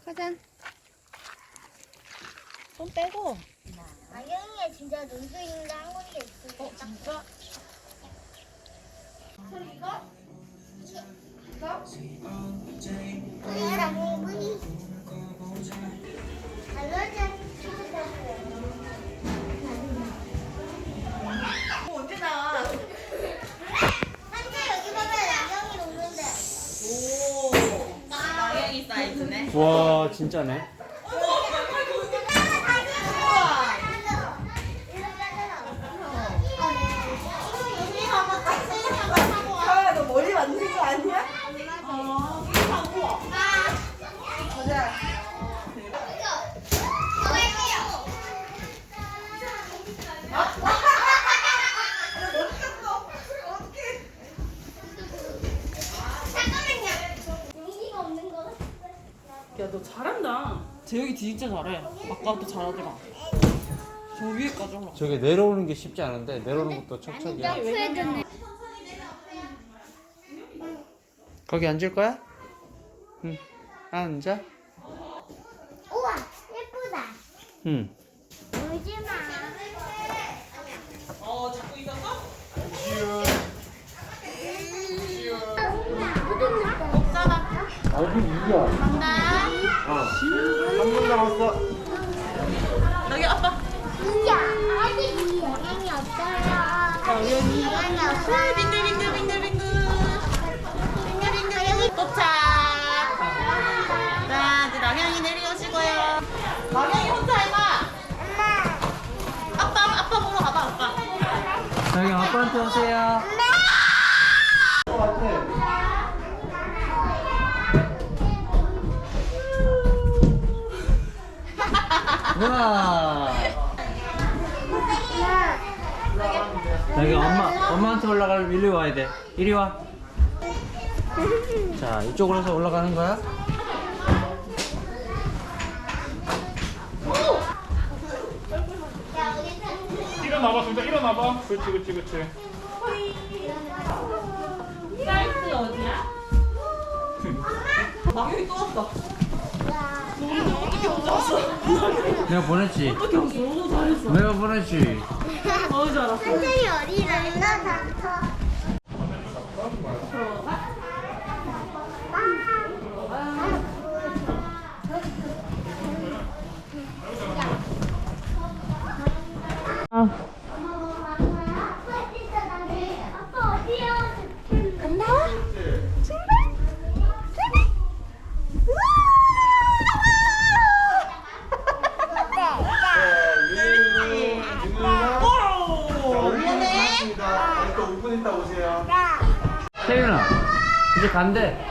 가자. 손 빼고. 나경이가 진짜 놀수 있는 한 군데 있어. 진짜? 언제 나와? 한재 여기 봐봐, 나경이 녹는데. 오. 나영이 사이즈네. 와 진짜네. 아, 너 머리 만든 거 아니야? 가자. 야, 너 잘한다. 재혁이 진짜 잘해. 아까부터 잘하더라. 저 위에까지 올라. 저게 내려오는 게 쉽지 않은데 내려오는 것도 척척이야. 거기 앉을 거야? 응. 앉아. 우와, 예쁘다. 응. 울지 마. 잡고 있었어? 어디 이야? 한 분 남았어. 여기 아빠. 이야, 아직 영향이 없어요. 영향이 없어요. 빙글빙글빙글빙글. 빙글빙글. 도착. 자, 이제 나경이 내려오시고요. 나경이 혼자 해봐. 아빠 보러 가봐, 아빠. 저기 아빠한테 오세요. 우와. 여기 엄마한테 올라가려면 이리 와야 돼. 이리 와. 자, 이쪽으로 해서 올라가는 거야? 일어나봐, 진짜 일어나봐. 그렇지. 사이트 어디야? 나경이 또 왔다. 어떻게 혼자 왔어? 내가 보냈지. 어떻게 왔어? 너무 잘했어. 내가 보냈지. 너무 잘했어. 한재이 어디를 나 아빠 어디야? 간다? 또 5분 있다 오세요. 태윤아, 이제 간대.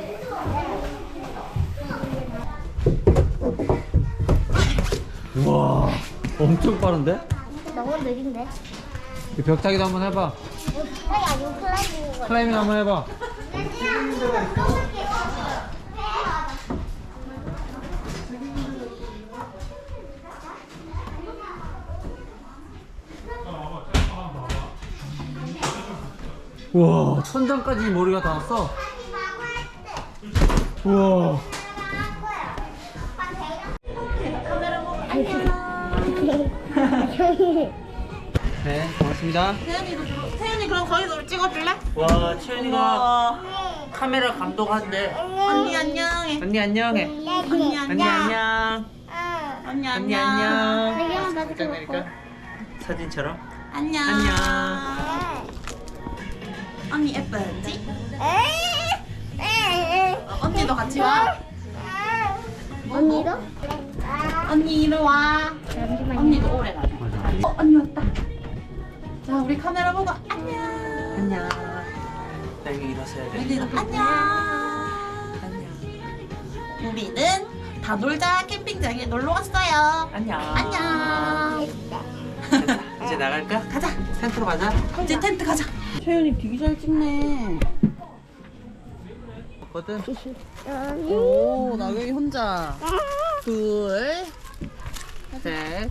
우와, 엄청 빠른데? 너무 느린데? 이 벽타기도 한번 해봐. 아니 클라이밍 클라이밍 한번 해봐. 우와, 천장까지 머리가 닿았어. 우와. 네, 고맙습니다. 태연이 그럼 거기서 찍어줄래? 와, 채연이가 와. 카메라 감독한대. 언니 안녕해. 언니 안녕해. 언니 언니 안녕. 안녕. 언니 언니 안녕. 안녕. 배경은 나도 짱 내릴까? 사진처럼. 안녕. 안녕. 언니 예쁘지? 언니도 같이 와. 언니도? 언니 이리 와. 잠시만요. 언니도 오래 가자. 맞아. 언니 왔다. 자, 우리 카메라 보고 안녕. 안녕. 나 여기 일어서야 돼. 언니도 안녕. 안녕. 우리는 다놀자 캠핑장에 놀러 왔어요. 안녕. 안녕. 이제 나갈까? 가자. 텐트로 가자. 이제 텐트 가자. 채연이 되게 잘 찍네. 거든. 오, 나경이 혼자. 둘, 셋.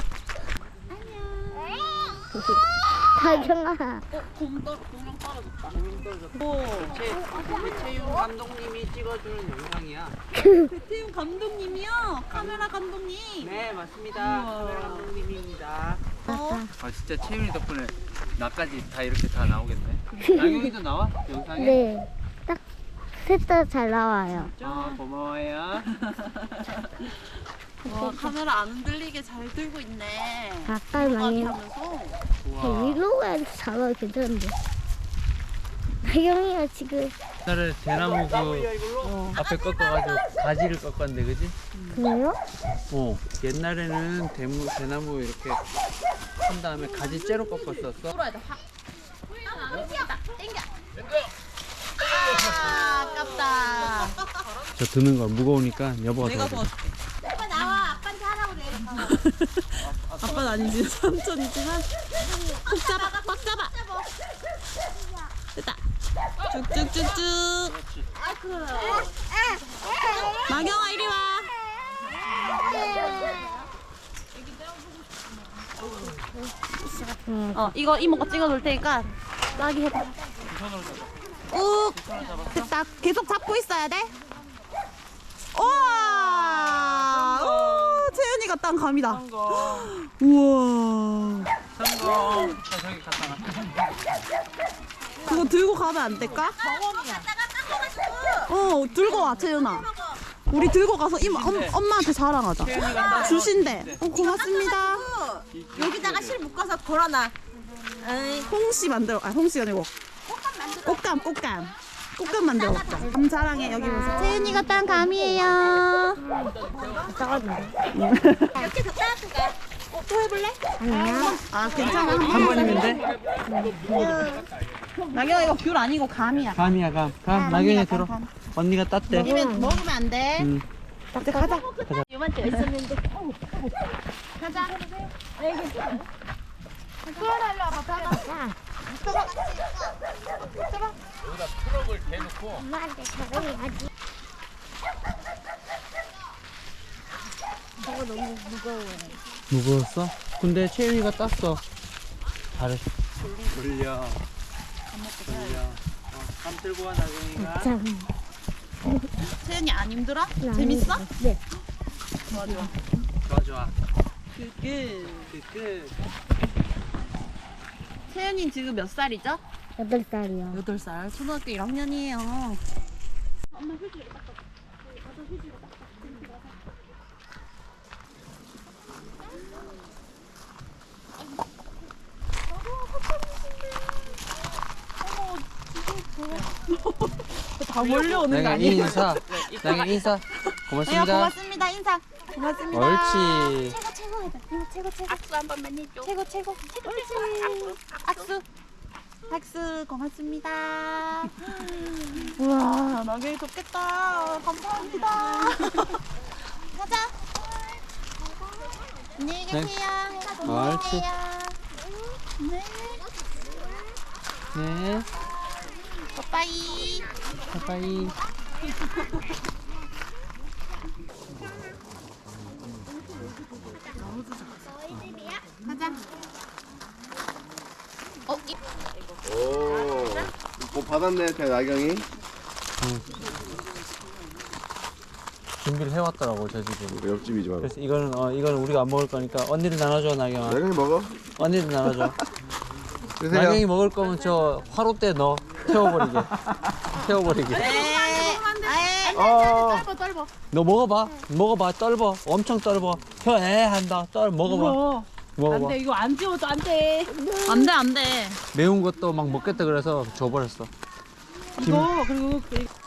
다정아. 공랑 떨어졌다. 배채윤 감독님이 찍어주는 영상이야. 배태용 감독님이요? 카메라 감독님. 네, 맞습니다. 카메라 감독님입니다. 아, 진짜 채윤이 덕분에 나까지 다 이렇게 다 나오겠네. 나경이도 나와? 영상에? 네. 딱 셋 다 잘 나와요. 아, 고마워요. 와, 카메라 안 흔들리게 잘 들고 있네. 가까이 많이 하면서. 우와. 위로 가야지 잘 나와. 괜찮은데. 나경이가 지금 옛날에 대나무 그 앞에 꺾어가지고 가지를 꺾었는데, 그지? 그래요? 옛날에는 대나무 이렇게 한 다음에 가지 째로 꺾었었어. 아, 아깝다. 저 드는 거 무거우니까 여보가 내가 도와줘. 도와줄게. 아빠 나와. 아빠한테 하라고 그래. 아빠는 아니지, 삼촌이지만. 꼭 잡아, 꽉 잡아. 됐다. 쭉쭉쭉쭉. 나경아, 이리 와. 이거 이모가 찍어줄 테니까 따기 해봐. 꾹. 됐다. 계속 잡고 있어야 돼. 우와. 오, 채연이가 딴 감이다. 우와. 성공. 저기 갖다 놔. 그거 들고 가면 안 될까? 들고 와, 채연아. 우리 들고 가서 엄마한테 자랑하자. 주신대. 고맙습니다. 여기다가 실 묶어서 걸어놔. 홍시 만들어. 홍시가 아니고. 꽃감. 꽃감 만들어 먹자. 감 자랑해, 여기 보세요. 채연이가 딴 감이에요. 이렇게 더 따뜻해. 또 해볼래? 아니야. 아, 괜찮아. 한 번이면 돼? 나경아, 이거 귤 아니고 감이야. 감이야, 감. 나경이 들어. 언니가 땄대. 먹으면 안 돼. 응. 이제 가자. 요만치 있었는데. 가자. 여기다 트럭을 대놓고 엄마한테 자랑해야지. 저거 너무 무거워요. 무거웠어? 근데 채윤이가 땄어. 잘했어. 돌려. 감 들고 와, 나경이가. 참. 채연이 안 힘들어? 재밌어? 네. 좋아. 좋아. 끝. 채연이 지금 몇 살이죠? 8살이요. 8살. 초등학교 1학년이에요. 다 몰려오는 거 나경이 아니에요? 인사. 나경이 인사. 고맙습니다. 고맙습니다. 인사. 고맙습니다. 옳지. 최고 해봐. 이모 최고. 악수 한 번만 해줘. 최고. 옳지. 악수 고맙습니다. 우와, 나경이 좋겠다. 감사합니다. 가자. 안녕히 계세요. 옳지. 네. 네. 빠빠이. 바이바이. 가자. 오, 뭐 받았네, 제 나경이. 준비를 해왔더라고, 저 집은. 옆집이지 말고. 그래서 이거는 우리가 안 먹을 거니까 언니를 나눠줘, 나경아. 나경이 먹어. 언니를 나눠줘. 드세요. 나경이 먹을 거면 저 화롯대 넣어. 태워버리게. 너 먹어봐. 떨버. 엄청 떨버. 한다. 먹어봐. 먹어봐. 안돼 이거 안 지워도 안 돼. 안 돼. 매운 것도 막 먹겠다 그래서 줘버렸어. 이거 그리고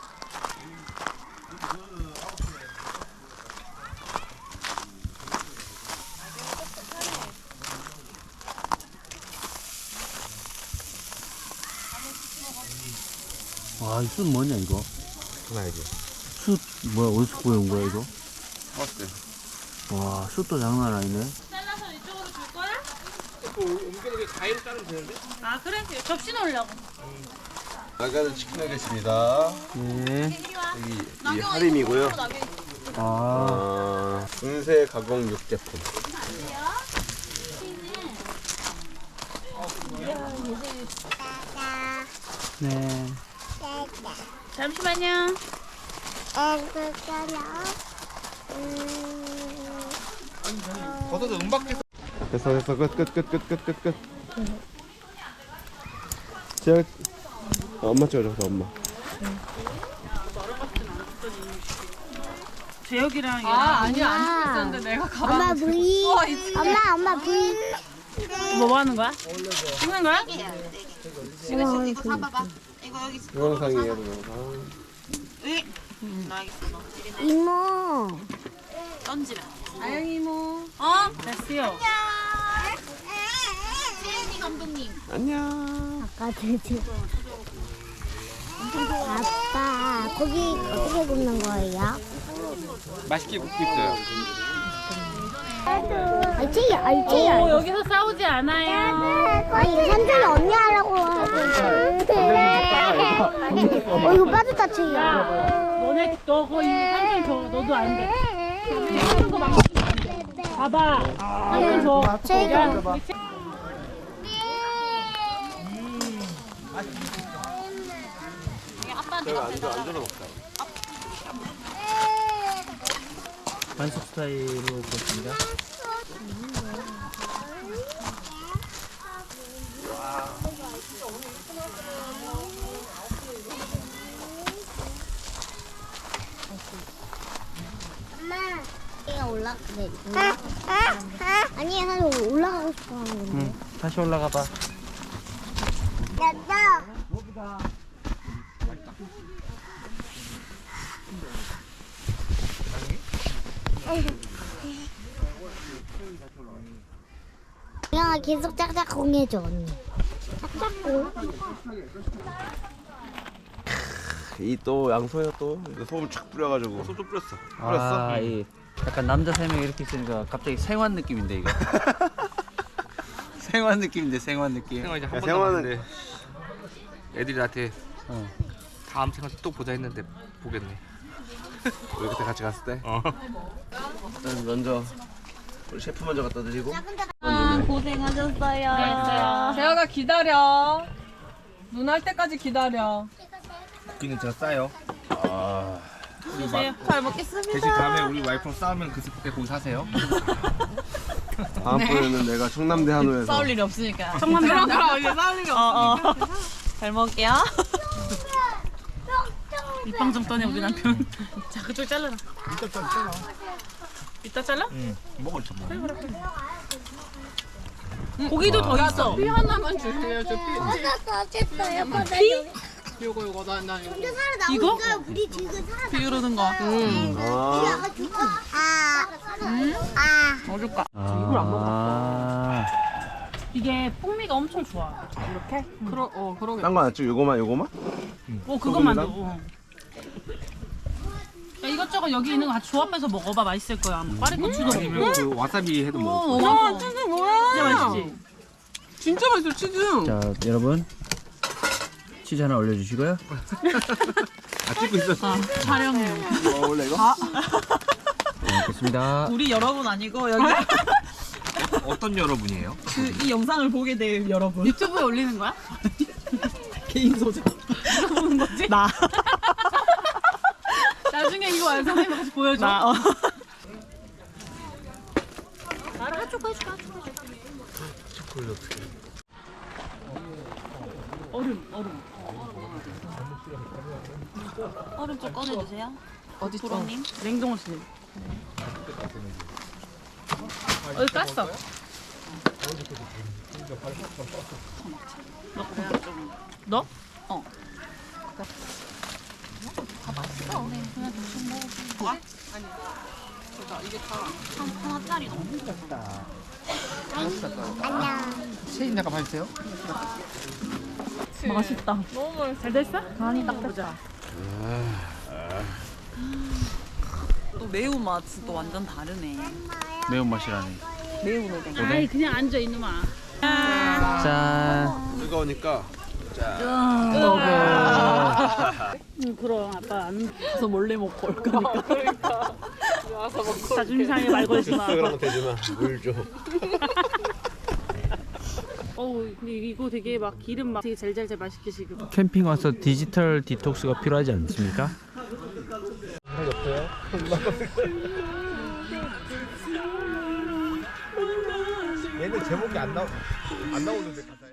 와, 이 숯 뭐냐, 이거? 나야지. 숯, 뭐야, 어디서 구해온 거야, 이거? 어때? 와, 숯도 장난 아니네. 잘라서 이쪽으로 줄 거야? 옮겨놓게 가위로 자르면 되는데? 아, 그래? 접시 넣으려고. 나가는 치킨 하겠습니다. 네. 여기 이 할인이고요. 아, 분쇄 가공 육제품. 네. 잠시만요. 벗어도 은박지. 됐어 끝. 제가 엄마 찍어줘 엄마. 재혁이랑 얘랑 아니야 안 찍고 있었는데 내가 가방. 엄마 V. 엄마 V. 뭐 하는 거야? 찍는 거야? 동영상이에요 동영상. 이모. 던지면. 아영 이모. 됐어요. 안녕. 아까 돼지. 아빠 고기 어떻게 굽는 거예요? 맛있게 굽고 있어요. 알지야. 여기서 싸우지 않아요. 아니 산들이 언니 하라고 하고. 이거 빠졌다 채야. 너네 너 거의 한명 줘. 너도 안 돼. 하는 거 망치면 안 돼. 봐봐. 한명 줘. 채가. 반숙 스타일로 구웠습니다. 엄마. 네. 아니 사실 올라가고 싶어 하는 건데. 응. 다시 올라가 봐. 됐다. 야 계속 짝짝 공해줘 언니. 짝짝공. 이 또 양소야 또 소금 촥 뿌려가지고. 소금 뿌렸어. 아, 이 약간 남자 3명 이렇게 있으니까 갑자기 생환 느낌인데 이거. 생환 느낌인데 생환 느낌. 생활 이제 한 야, 번 생활은- 남았는데 애들이 나한테 어. 다음 생활 또 보자 했는데 보겠네. 우리 그때 같이 갔을 때. 일단 먼저 우리 셰프 먼저 갖다 드리고. 고생하셨어요. 재혁아 기다려. 눈 할 때까지 기다려. 고기는 제가 싸요. 드세요. 잘 먹겠습니다. 대신 다음에 우리 와이프랑 싸우면 그 스프에 고기 사세요. 다음번에는 내가 청남대 한우에서 싸울 일이 없으니까. 청만대 그럼 이제 싸울 일이 없으니까. 잘 먹을게요. 입방 좀 떠내 우리 남편. 자 그쪽 잘라라. 이따 잘라? 응. 먹을 참 먹어. 고기도 더 있어. 피 하나만 주세요. 저 피. 어쨌어요. 요거 난 이거. 이거? 우리 지금 살아. 비우르는 거. 아, 넣어줄까? 이걸 안 먹었어. 이게 풍미가 엄청 좋아. 그러게. 딴거 안 찍고 요거만? 그것만 넣어. 야, 이것저것 여기 있는 거 같이 조합해서 먹어봐. 맛있을 거야. 파리고추도 아니면 그 와사비 해도 먹어. 와, 치즈 뭐야? 진짜 맛있지? 진짜 맛있어 치즈. 자, 여러분. 치즈 하나 올려주시고요. 아 찍고 있었어. 촬영해요. 원래 이거? 잘 먹겠습니다. 우리 여러분 아니고 여기 어떤 여러분이에요? 이 영상을 보게 될 여러분. 유튜브에 올리는 거야? 개인 소장. 보는 거지? 나. 나중에 이거 완성하면 같이 보여줘. 나. 나를 한쪽 해줄까? 얼음. 얼음 좀 꺼내주세요. 어디 있어? 부모님. 냉동실. 어디 깠어? 너? 어. 하나짜리 너무 체인 약간 봐주세요. 맛있다. 너무 맛있어. 잘 됐어? 간이 딱 보자. 또 매운맛이 또 완전 다르네. 매운맛이라네. 매운 오뎅. 아이 그냥 앉아 이놈아. 짠. 뜨거우니까 그럼 아빠 안 가서 몰래 먹고 올 거니까. 그러니까. 자존심 상해 말 걸지 마. 그런 거 되지마 물 줘. 근데 이거 되게 막 기름 막 되게 잘잘잘 맛있게 지금. 캠핑 와서 디지털 디톡스가 필요하지 않습니까? 얘는 제목이 안 나오는데 가사.